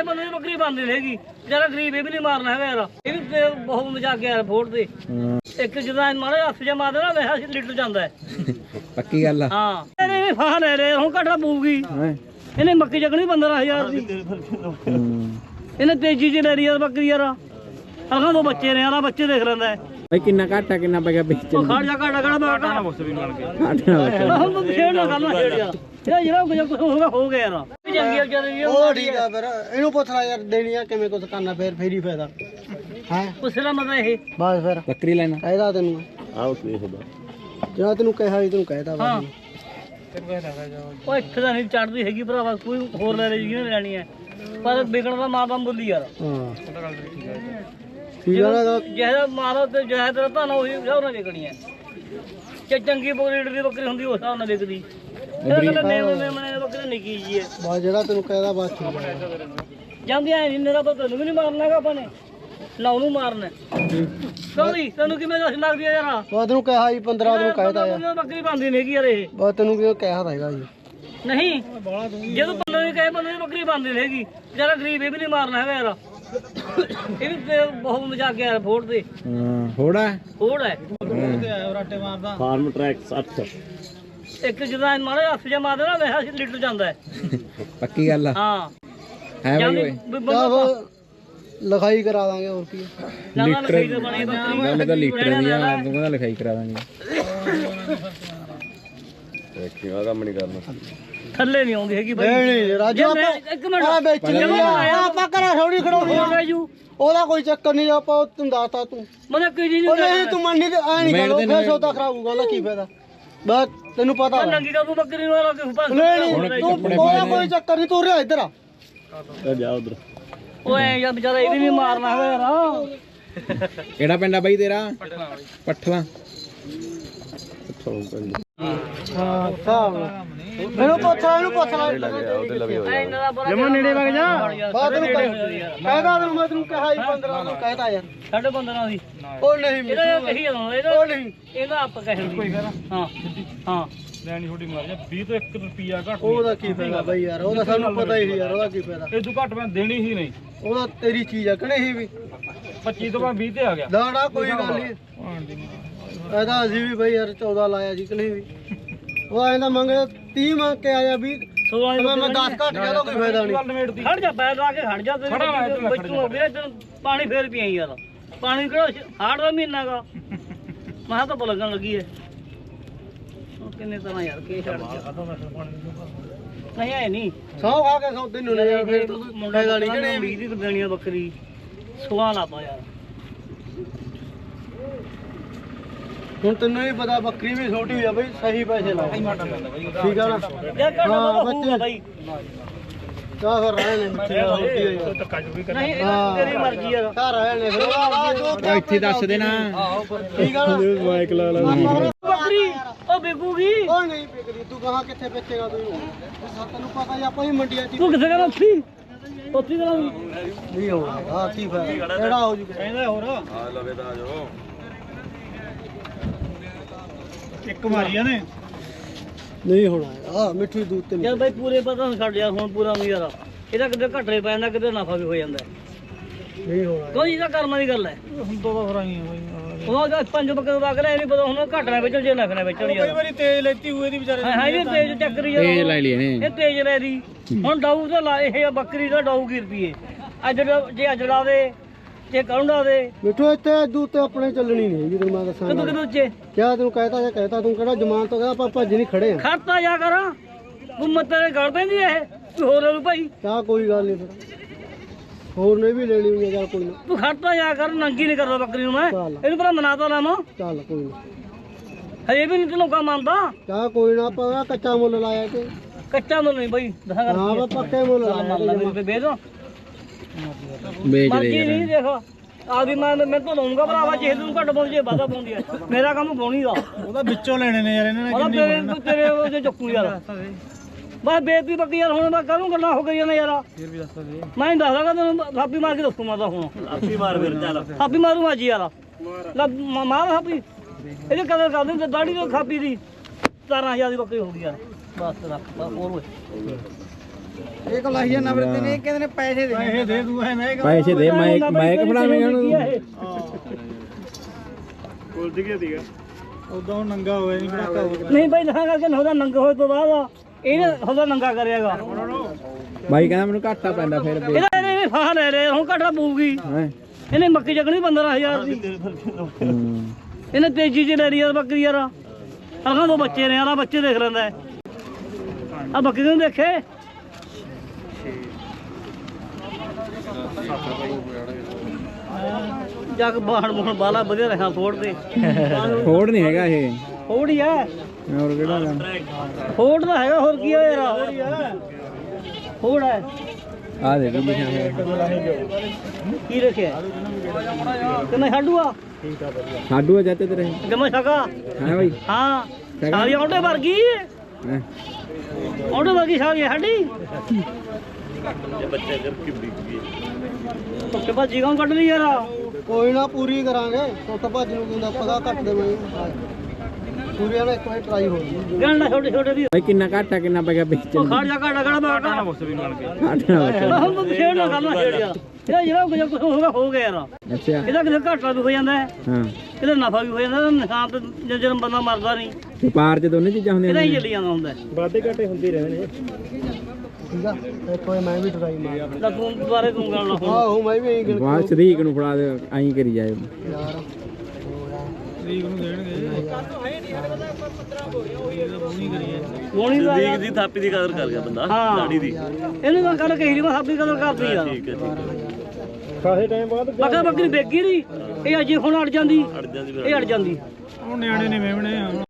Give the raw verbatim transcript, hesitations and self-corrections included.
ਕਹੇ ਬੰਦੇ ਦੀ ਬੱਕਰੀ ਬਣਦੀ ਰਹੇਗੀ ਜਿਹੜਾ ਗਰੀਬ ਇਹ ਵੀ ਨਹੀਂ ਮਾਰਨਾ ਹੈਗਾ ਯਾਰ ਇਹ ਵੀ ਬਹੁਤ ਮਜ਼ਾਕ ਗਿਆ ਫੋੜ ਦੇ ਇੱਕ ਜਦੋਂ ਮਾਰੇ ਹੱਥ ਜਾ ਮਾਰਦੇ ਨਾ ਵੇਖਾ ਲੀਟਰ ਜਾਂਦਾ ਪੱਕੀ ਗੱਲ ਆ ਹਾਂ ਇਹਨੇ ਫਾਹ ਲੈ ਰਹੇ ਹੁਣ ਘਟਾ ਪਊਗੀ ਇਹਨੇ ਮੱਕੀ ਚੱਕਣੀ ਪੰਦਰਾਂ ਹਜ਼ਾਰ ਦੀ ਇਹਨੇ ਤੇਜ਼ੀ ਚ ਲੈ ਰਹੀ ਯਾਰ ਬੱਕਰੀ ਯਾਰ ਅਗਾਂ ਦੋ ਬੱਚੇ ਨੇ ਯਾਰ ਬੱਚੇ ਦੇਖ ਲੈਂਦਾ ਭਾਈ ਕਿੰਨਾ ਘਾਟਾ ਕਿੰਨਾ ਪੈ ਗਿਆ ਵੇਚਣ ਉਹ ਖੜ ਜਾ ਘਾਟਾ ਘਾਟਾ ਮੈਂ ਘਾਟਾ ਮੁਕਸ ਵੀ ਮਾਰ ਕੇ ਹੁਣ ਤੂੰ ਛੇੜ ਨਾ ਕਰਨਾ ਛੇੜ ਯਾਰ ਇਹ ਜਿਹੜਾ ਕੁਝ ਹੋਗਾ ਹੋ ਗਿਆ ਯਾਰ ਚੰਗੀ ਵਿਚਾਰੀ ਉਹ ਠੀਕ ਆ ਫਿਰ ਇਹਨੂੰ ਪੁੱਛ ਲੈ ਯਾਰ ਦੇਣੀ ਆ ਕਿਵੇਂ ਕੁਝ ਕਰਨਾ ਫੇਰ ਫੇਰ ਹੀ ਫਾਇਦਾ ਹੈ ਪੁੱਛਣਾ ਮਤਲਬ ਇਹ ਬਸ ਫਿਰ ਬੱਕਰੀ ਲੈਣਾ ਕਹਿਦਾ ਤੈਨੂੰ ਆਹ ਵੇਖਦਾ ਜਿਹੜਾ ਤੈਨੂੰ ਕਿਹਾ ਸੀ ਤੈਨੂੰ ਕਹਿਦਾ ਵਾ ਉਹ ਇੱਥੇ ਤਾਂ ਨਹੀਂ ਚੜਦੀ ਹੈਗੀ ਭਰਾਵਾ ਕੋਈ ਹੋਰ ਲੈ ਲੈ ਜਿਹਨੇ ਲੈਣੀ ਹੈ ਪਰ ਵਿਕਣ ਦਾ ਮਾਂ ਬੰਦ ਬੁੱਲੀ ਯਾਰ ਹਾਂ ਠੀਕ ਆ ਨਾ ਜਿਹੜਾ ਮਾਰੋ ਤੇ ਜਿਹੜਾ ਤੇਰਾ ਧਨ ਉਹੀ ਉਹਨਾਂ ਵਿਕਣੀ ਹੈ ਜੇ ਚੰਗੀ ਬੋਰੀਡ ਦੀ ਬੱਕਰੀ ਹੁੰਦੀ ਉਸ ਹਿਸਾਬ ਨਾਲ ਵਿਕਦੀ ਇਹ ਕਹਿੰਦਾ ਮੇਮ ਮੇਮ ਬੱਕਰੀ ਨਿੱਕੀ ਜੀ ਹੈ ਬਸ ਜਿਹੜਾ ਤੈਨੂੰ ਕਹਿਦਾ ਬਸ ਠੀਕ ਆ ਜਾਂਦੀ ਐ ਨਹੀਂ ਮੇਰਾ ਤਾਂ ਤੈਨੂੰ ਵੀ ਨਹੀਂ ਮਾਰਨਾ ਹੈਗਾ ਆਪਾਂ ਨੇ ਨਾ ਉਹਨੂੰ ਮਾਰਨਾ ਸੌਰੀ ਤੈਨੂੰ ਕਿਵੇਂ ਦੱਸ ਲੱਗਦੀ ਆ ਯਾਰ ਬਸ ਤੈਨੂੰ ਕਿਹਾ ਸੀ ਪੰਦਰਾਂ ਤੈਨੂੰ ਕਹਿਦਾ ਯਾਰ ਬੱਕਰੀ ਬਣਦੀ ਨਹੀਂ ਹੈਗੀ ਯਾਰ ਇਹ ਬਸ ਤੈਨੂੰ ਕਿਉਂ ਕਿਹਾ ਹੈਗਾ ਜੀ ਨਹੀਂ ਜਦੋਂ ਬੰਦੇ ਨੇ ਕਹੇ ਬੰਦੇ ਦੀ ਬੱਕਰੀ ਬਣਦੀ ਨਹੀਂ ਹੈਗੀ ਜਿਹੜਾ ਗਰੀਬ ਇਹ ਵੀ ਨਹੀਂ ਮਾਰਨਾ ਹੈਗਾ ਯਾਰ ਇਹ ਵੀ ਬਹੁਤ ਮਜ਼ਾਕ ਗਿਆ ਫੋੜ ਦੇ ਹਾਂ ਹੋੜਾ ਫੋੜ ਹੈ ਰਾਟੇ ਮਾਰਦਾ ਫਾਰਮ ਟਰੈਕ ਅੱਠ ਇੱਕ ਜਦੋਂ ਮਾਰੇ ਹੱਥ ਜਾ ਮਾਰਦੇ ਨਾ ਵੇਖਾ ਲੀਟਰ ਜਾਂਦਾ ਪੱਕੀ ਗੱਲ ਆ ਹਾਂ ਹੈ ਬਾਈ ਓਏ ਲਿਖਾਈ ਕਰਾ ਦਾਂਗੇ ਹੋਰ ਕੀ ਲੀਟਰ ਗੱਲ ਤਾਂ ਲੀਟਰ ਦੀ ਆ ਤੂੰ ਕਹਿੰਦਾ ਲਿਖਾਈ ਕਰਾ ਦਾਂਗੇ ਦੇਖਿਆ ਕੰਮ ਨਹੀਂ ਕਰਨਾ ਥੱਲੇ ਨਹੀਂ ਆਉਂਦੀ ਹੈਗੀ ਬਾਈ ਨਹੀਂ ਰਾਜੂ ਇੱਕ ਮਿੰਟ ਆ ਵੇਚਣੀ ਆ ਆਪਾਂ ਕਰਾ ਥੋੜੀ ਖੜਾਉਣੀ ਆ ਰਾਜੂ ਉਹਦਾ ਕੋਈ ਚੱਕਰ ਨਹੀਂ ਆਪਾਂ ਤੂੰ ਦੱਸਤਾ ਤੂੰ ਮਤਲਬ ਕੀ ਜੀ ਉਹ ਨਹੀਂ ਤੂੰ ਮੰਡੀ ਤੇ ਆ ਨਹੀਂ ਕਰੋ ਫੇਰ ਸੌਦਾ ਖਰਾਬ ਹੋਊਗਾ ਉਹਦਾ ਕੀ ਫਾਇਦਾ ਬਸ ਤੈਨੂੰ ਪਤਾ ਨੰਗੀ ਕਾ ਤੂੰ ਬੱਕਰੀ ਨੂੰ ਲਾ ਕੇ ਪਾਸ ਨਹੀਂ ਤੂੰ ਉਹਦਾ ਕੋਈ ਚੱਕਰ ਨਹੀਂ ਤੂੰ ਰਿਹਾ ਇੱਧਰ ਆ ਜਾ ਉਧਰ ਓਏ ਯਾਰ ਵਿਚਾਰਾ ਇਹ ਵੀ ਨਹੀਂ ਮਾਰਨਾ ਹੈਗਾ ਯਾਰ ਕਿਹੜਾ ਪਿੰਡ ਆ ਬਾਈ ਤੇਰਾ ਪੱਠਲਾ ਹਾਂ ਸਾਬ ਮੈਨੂੰ ਪੁੱਛ ਇਹਨੂੰ ਪੁੱਛ ਲੈ ਜਮਾ ਨੇੜੇ ਵਗ ਜਾ ਬਾਤ ਨੂੰ ਕਹਿਦਾ ਤੈਨੂੰ ਮੈਂ ਤੈਨੂੰ ਕਿਹਾ ਸੀ ਪੰਦਰਾਂ ਨੂੰ ਕਹਿਦਾ ਯਾਰ ਸਾਡੇ ਬੰਦਰਾਂ ਦੀ ਉਹ ਨਹੀਂ ਇਹਦਾ ਕਹੀ ਜਾਂਦਾ ਇਹਦਾ ਉਹ ਨਹੀਂ ਇਹਦਾ ਆਪ ਕਹਿਣ ਕੋਈ ਹਾਂ ਹਾਂ ਲੈਣੀ ਥੋੜੀ ਮਾਰ ਜਾ ਵੀਹ ਤੋਂ ਇੱਕ ਰੁਪਿਆ ਘੱਟ ਉਹਦਾ ਕੀ ਫਾਇਦਾ ਬਈ ਯਾਰ ਉਹਦਾ ਸਾਨੂੰ ਪਤਾ ਹੀ ਸੀ ਯਾਰ ਉਹਦਾ ਕੀ ਫਾਇਦਾ ਇਹ ਤੋਂ ਘੱਟ ਮੈਂ ਦੇਣੀ ਹੀ ਨਹੀਂ ਉਹਦਾ ਤੇਰੀ ਚੀਜ਼ ਆ ਕਹਣੇ ਸੀ ਵੀ ਪੱਚੀ ਤੋਂ ਬਾਅਦ ਵੀਹ ਤੇ ਆ ਗਿਆ ਦਾੜਾ ਕੋਈ ਗੱਲ ਨਹੀਂ ਇਹਦਾ ਅਸੀਂ ਵੀ ਬਈ ਯਾਰ ਚੌਦਾਂ ਲਾਇਆ ਜੀ ਕਲੀ ਵੀ ਉਹ ਐਂਦਾ ਮੰਗੇ ਤੀਹ ਮੰਗ ਕੇ ਆਇਆ ਵੀ ਸੋਲਾਂ ਮੈਂ ਦਸ ਘੱਟ ਗਿਆ ਤਾਂ ਕੋਈ ਫਾਇਦਾ ਨਹੀਂ ਗੱਲ ਨਿਬੇੜਦੀ ਖੜ ਜਾ ਪੈਰ ਲਾ ਕੇ ਖੜ ਜਾ ਤੇ ਬੱਚੂ ਵੀਰੇ ਤੈਨੂੰ ਪਾਣੀ ਫੇਰ ਪੀਆਂ ਯਾਰ ਪਾਣੀ ਕਿਹੜਾ ਹਾੜ ਦਾ ਮਹੀਨਾ ਗਾ ਮੈਂ ਤਾਂ ਲੱਗਣ ਲੱਗੀ ਐ ਕਿੰਨੇ ਤਰ੍ਹਾਂ ਯਾਰ ਕੀ ਛੱਡ ਨਹੀਂ ਐ ਨਹੀਂ ਸੌ ਖਾ ਕੇ ਸੌਦੇ ਨੂੰ ਯਾਰ ਫਿਰ ਫਾਇਦਾ ਨਹੀਂ ਕਿਹੜੇ ਵੀਹ ਦੀ ਦੇਣੀ ਆ ਬੱਕਰੀ ਸੋਲਾਂ ਲਾਪਾ ਯਾਰ ਹੁਣ ਤੈਨੂੰ ਵੀ ਪਤਾ ਬੱਕਰੀ ਵੀ ਛੋਟੀ ਹੋਈ ਆ ਬਈ ਸਹੀ ਪੈਸੇ ਲਾ ਠੀਕ ਆ ਨਾ ਯਾਰ ਘੱਟ ਹਾਂ ਹੋਊਗਾ ਬੱਚੇ ਬਾਈ ਕਾ ਫਿਰ ਰਹੇ ਨੇ ਬੱਚੇ ਛੋਟੀ ਹੋਈ ਆ ਨਹੀਂ ਇਹ ਤੇਰੀ ਮਰਜ਼ੀ ਯਾਰ ਘਰ ਆਏ ਨੇ ਫਿਰ ਇੱਥੇ ਦੱਸ ਦੇਣਾ ਠੀਕ ਆ ਨਾ ਮਾਈਕ ਲਾ ਲਾ ਬੱਕਰੀ ਉਹ ਵਿਕੂਗੀ ਉਹ ਨਹੀਂ ਵਿਕਦੀ ਤੂੰ ਕਹਾਂ ਕਿੱਥੇ ਵੇਚੇਗਾ ਤੂੰ ਤੈਨੂੰ ਪਤਾ ਹੀ ਆਪਾਂ ਹੀ ਮੰਡੀਆਂ 'ਚ ਤੂੰ ਕਿੱਥੇ ਕਹਿੰਦਾ ਉੱਥੀ ਉੱਥੀ ਕਹਿੰਦਾ ਨਹੀਂ ਹੋਣਾ ਆ ਕੀ ਫਾਇਦਾ ਕਿਹੜਾ ਹੋ ਜੂ ਕਹਿੰਦਾ ਹੋਰ ਆ ਲਵੇ ਤਾਂ ਆ ਜਾਓ ਇੱਕ ਮਾਰੀਆਂ ਨੇ ਨਹੀਂ ਹੋਣਾ ਆ ਮਿੱਠੀ ਦੂਧ ਤੇ ਯਾਰ ਬਾਈ ਪੂਰੇ ਪਤਾ ਨੂੰ ਛੱਡ ਯਾਰ ਹੁਣ ਪੂਰਾ ਨਹੀਂ ਯਾਰ ਇਹਦਾ ਕਿਤੇ ਘਟਰੇ ਪੈ ਜਾਂਦਾ ਕਿਤੇ ਨਫਾ ਵੀ ਹੋ ਜਾਂਦਾ ਨਹੀਂ ਹੋਣਾ ਕੋਈ ਇਹਦਾ ਕਰਮਾਂ ਦੀ ਗੱਲ ਹੈ ਹੁਣ ਤੋਂ ਤਾਂ ਫਰਾਈਆਂ ਬਈ ਉਹ ਤਾਂ ਪੰਜ ਬੱਕਰੇ ਵਗ ਰਿਹਾ ਇਹ ਨਹੀਂ ਪਤਾ ਹੁਣ ਘਟਣਾ ਵੇਚਣ ਜੇ ਨਫਾ ਵੇਚਣ ਕਈ ਯਾਰ ਵਾਰੀ ਤੇਜ਼ ਲੈਤੀ ਹੋਏ ਦੀ ਵਿਚਾਰੇ ਹਾਂ ਇਹ ਤੇਜ ਚੱਕਰੀ ਯਾਰ ਤੇਜ ਲੈ ਲਈ ਇਹਨੇ ਇਹ ਤੇਜ ਲੈ ਦੀ ਹੁਣ ਡਾਊ ਤਾਂ ਲਾ ਇਹ ਬੱਕਰੀ ਦਾ ਡਾਊ ਕੀ ਰੁਪਏ ਅੱਜ ਜੇ ਅਜੜਾ ਦੇ ਜੇ ਕੌਂਡਾ ਦੇ ਮਿੱਠੂ ਇੱਥੇ ਦੂਧ ਤੇ ਆਪਣੇ ਚੱਲਣੀ ਨਹੀਂ ਹੈਗੀ ਤੈਨੂੰ ਮੈਂ ਦੱਸਾਂ ਕਿਦੋਂ ਕਿਦੋਂ ਉੱਚੇ ਕਿਆ ਤੈਨੂੰ ਕਹਿਤਾ ਜਾਂ ਕਹਿਤਾ ਤੂੰ ਕਿਹੜਾ ਜਮਾਨ ਤੋਂ ਕਹਿੰਦਾ ਆਪਾਂ ਭੱਜ ਨਹੀਂ ਖੜੇ ਆ ਖੜਤਾ ਜਾ ਕਰ ਗੁੰਮਤ ਤੇਰੇ ਗੜ ਪੈਂਦੀ ਇਹ ਤੂੰ ਹੋਰ ਨੂੰ ਭਾਈ ਕਿਆ ਕੋਈ ਗੱਲ ਨਹੀਂ ਫਿਰ ਹੋਰ ਨੇ ਵੀ ਲੈਣੀ ਹੋਈ ਆ ਚੱਲ ਕੋਈ ਨਾ ਤੂੰ ਖੜਤਾ ਜਾ ਕਰ ਨੰਗੀ ਨਹੀਂ ਕਰਦਾ ਬੱਕਰੀ ਨੂੰ ਮੈਂ ਚੱਲ ਇਹਨੂੰ ਭਲਾ ਮਨਾਤਾ ਲਾਵਾਂ ਚੱਲ ਕੋਈ ਨਾ ਹਜੇ ਵੀ ਨਹੀਂ ਤੇ ਲੋਕਾਂ ਮੰਨਦਾ ਕਿਆ ਕੋਈ ਨਾ ਆਪਾਂ ਕੱਚਾ ਮੁੱਲ ਲਾਇਆ ਕਿ ਕੱਚਾ ਮੁੱਲ ਨਹੀਂ ਬਾਈ ਦਸਾਂ ਕਰ ਹਾਂ ਆਪਾਂ ਪੱਕੇ ਮੁੱਲ ਲਾਇਆ ਮੰਨ ਲੈ ਤੇ ਵੇਚ ਦੋ ਵੇਚ ਦੇ ਮਰਜੀ ਨਹੀਂ ਦੇਖੋ ਆ ਵੀ ਮੈਂ ਮੈਂ ਤੋਂ ਲਾਉਂਗਾ ਭਰਾਵਾ ਜੇ ਤੂੰ ਘੱਟ ਪਾਉਂਦੀ ਜੇ ਵਾਧਾ ਪਾਉਂਦੀ ਹੈ ਮੇਰਾ ਕੰਮ ਪਾਉਣੀ ਦਾ ਉਹਦਾ ਵਿੱਚੋਂ ਲੈਣੇ ਨੇ ਯਾਰ ਇਹਨਾਂ ਨੇ ਉਹਦਾ ਤੇਰੇ ਤੂੰ ਤੇਰੇ ਉਹਦੇ ਚੱਕੂ ਯਾਰ ਬਸ ਬੇਤੀ ਬੱਕੀ ਯਾਰ ਹੁਣ ਮੈਂ ਕਰੂੰ ਗੱਲਾਂ ਹੋ ਗਈਆਂ ਨੇ ਯਾਰ ਫਿਰ ਵੀ ਦੱਸ ਦੇ ਮੈਂ ਨਹੀਂ ਦੱਸਦਾ ਤੈਨੂੰ ਥਾਪੀ ਮਾਰ ਕੇ ਦੱਸੂ ਮੈਂ ਤਾਂ ਹੁਣ ਥਾਪੀ ਮਾਰ ਫਿਰ ਚੱਲ ਥਾਪੀ ਮਾਰੂ ਮਾਜੀ ਯਾਰ ਲੈ ਮ- ਮਾਰ ਥਾਪੀ ਇਹਦੇ ਕਦਰ ਕਰ ਦਿੰਦੇ ਦਾੜੀ ਤੋਂ ਥਾਪੀ ਦੀ ਸਤਾਰਾਂ ਹਜ਼ਾਰ ਦੀ ਬੱਕਰੀ ਹੋ ਗਈ ਯਾਰ ਬਸ ਰੱਖ ਬਸ ਹੋਰ ਓਏ ਇਹ ਕੋਲ ਲਾਈਏ ਨੰਬਰ ਤੇ ਨਹੀਂ ਕਹਿੰਦੇ ਨੇ ਪੈਸੇ ਦੇ ਪੈਸੇ ਦੇ ਦੂ ਐ ਨਹੀਂ ਪੈਸੇ ਦੇ ਮੈਂ ਮੈਂ ਫੜਾਵੇਂਗਾ ਉਹਨੂੰ ਕੁਲਜ ਗਿਆ ਦੀਗਾ ਉਦੋਂ ਉਹ ਨੰਗਾ ਹੋਇਆ ਨਹੀਂ ਪੜਾਕਾ ਹੋ ਨਹੀਂ ਬਾਈ ਨਾ ਕਰਕੇ ਉਹਦਾ ਨੰਗਾ ਹੋਏ ਤੋਂ ਬਾਅਦ ਇਹਨੇ ਉਹਦਾ ਨੰਗਾ ਕਰਿਆਗਾ ਬਾਈ ਕਹਿੰਦਾ ਮੈਨੂੰ ਘਾਟਾ ਪੈਂਦਾ ਫਿਰ ਵੀ ਇਹਦਾ ਇਹਨੇ ਫਾਹ ਲੈ ਲੈ ਹੁਣ ਘਟਾ ਪਊਗੀ ਹੈਂ। ਇਹਨੇ ਮੱਕੀ ਚੱਕਣੀ ਪੰਦਰਾਂ ਹਜ਼ਾਰ ਦੀ ਹੂੰ। ਇਹਨੇ ਤੇਜ਼ੀ ਚ ਲੈ ਲਈ ਯਾਰ ਬੱਕਰੀ ਯਾਰ ਅਗਾਂ ਦੋ ਬੱਚੇ ਨੇ ਯਾਰ ਬੱਚੇ ਦੇਖ ਲੈਂਦਾ ਆ ਬੱਕਰੀ ਨੂੰ ਦੇਖੇ ਜੱਗ ਬਾਹਣ ਮੋਹਣ ਬਾਲਾ ਵਧੀਆ ਰਹਾ ਫੋੜ ਤੇ ਫੋੜ ਨਹੀਂ ਹੈਗਾ ਇਹ ਫੋੜ ਹੀ ਆ ਹੋਰ ਕਿਹੜਾ ਗਾ? ਫੋੜ ਦਾ ਹੈਗਾ ਹੋਰ ਕੀ ਆ ਯਾਰ ਫੋੜ ਹੀ ਆ ਫੋੜ ਹੈ ਆ ਦੇ ਵੀ ਲਿਖਿਆ ਹੋਇਆ ਕੀ ਰੱਖਿਆ ਕਿੰਨਾ ਛਾਡੂ ਆ ਸਾਡੂ ਆ ਜਾਂਦੇ ਤੇਰੇ ਜਮਾ ਛਕਾ ਹੈ ਬਾਈ ਹਾਂ ਸਾਰੀ ਆਉਂਦੇ ਵਰਗੀ ਹੈਂ। ਆਉਂਦੇ ਵਰਗੀ ਸਾਰੀ ਸਾਡੀ ਬੱਚੇ ਭਾਜੀ ਕੌਣ ਕੱਢ ਲਈ ਯਾਰ ਕੋਈ ਨਾ ਪੂਰੀ ਕਰਾਂਗੇ ਟੁੱਟ ਭੱਜ ਨੂੰ ਕਿੰਦਾ ਪਤਾ ਘੱਟ ਦੇਵਾਂਗੇ ਪੂਰੀਆਂ ਨਾਲ ਇੱਕ ਵਾਰ ਟਰਾਈ ਹੋ ਗਈ ਗੰਡਾ ਛੋਟੇ ਛੋਟੇ ਦੀ ਬਾਈ ਕਿੰਨਾ ਘਾਟਾ ਕਿੰਨਾ ਪੈ ਗਿਆ ਵੇਚਣ ਉਹ ਖੜ ਜਾ ਘਾਟਾ ਘਾਟਾ ਬਾਟਾ ਘਾਟਾ ਹੁਣ ਤੂੰ ਛੇੜ ਨਾ ਕਰਨਾ ਛੇੜ ਜਾ ਇਹਦਾ ਜਿਹੜਾ ਕੁਝ ਕੁਝ ਹੋਗਾ ਹੋ ਗਿਆ ਯਾਰ ਅੱਛਾ ਇਹਦਾ ਕਿਤੇ ਘਾਟਾ ਵੀ ਹੋ ਜਾਂਦਾ ਹੈ ਹਾਂ ਇਹਦਾ ਨਫਾ ਵੀ ਹੋ ਜਾਂਦਾ ਨੁਕਸਾਨ ਤੇ ਜਦੋਂ ਬੰਦਾ ਮਰਦਾ ਨਹੀਂ ਵਪਾਰ ਚ ਦੋਨੇ ਚੀਜ਼ਾਂ ਹੁੰਦੀਆਂ ਇਹਦਾ ਨੇ ਹੀ ਚੱਲੀ ਜਾਂਦਾ ਹੁੰਦਾ ਵਾਧੇ ਘਾਟੇ ਹੁੰਦੇ ਹੀ ਰਹਿੰਦੇ ਨੇ ਠੀਕ ਆ ਇੱਕ ਵਾਰ ਮੈਂ ਵੀ ਟਰਾਈ ਮਾਰ ਲੈ ਤੂੰ ਦੁਬਾਰੇ ਤੂੰ ਗੱਲ ਨਾ ਹੁਣ ਆਹੋ ਮੈਂ ਵੀ ਐਂ ਗਿਣ ਬਾਅਦ ਸਰੀਕ ਨੂੰ ਫੜਾ ਦੇ ਐਂ ਕਰੀ ਜਾਏ ਯਾਰ ਤਰੀਕ ਨੂੰ ਦੇਣਗੇ ਗੋਣੀ ਦਾ ਯਾਰ ਦੀ ਥਾਪੀ ਦੀ ਕਦਰ ਕਰ ਗਿਆ ਬੰਦਾ ਹਾਂ ਦਾੜੀ ਦੀ ਇਹਨੇ ਤਾਂ ਕੱਲ ਕਹੀ ਨਹੀਂ ਮੈਂ ਸਾਬੀ ਕਦਰ ਕਰਦੀ ਯਾਰ ਠੀਕ ਹੈ ਠੀਕ ਹੈ ਕਾਹੇ ਟਾਈਮ ਬਾਅਦ ਬੱਕਾ ਬੱਕਰੀ ਵੇਗੀ ਨਹੀਂ ਇਹ ਅਜੇ ਹੁਣ ਅੜ ਜਾਂਦੀ ਅੜ ਜਾਂਦੀ ਫਿਰ ਇਹ ਅੜ ਜਾਂਦੀ ਉਹ ਨਿਆਣੇ ਨੇ ਮੇਵਣੇ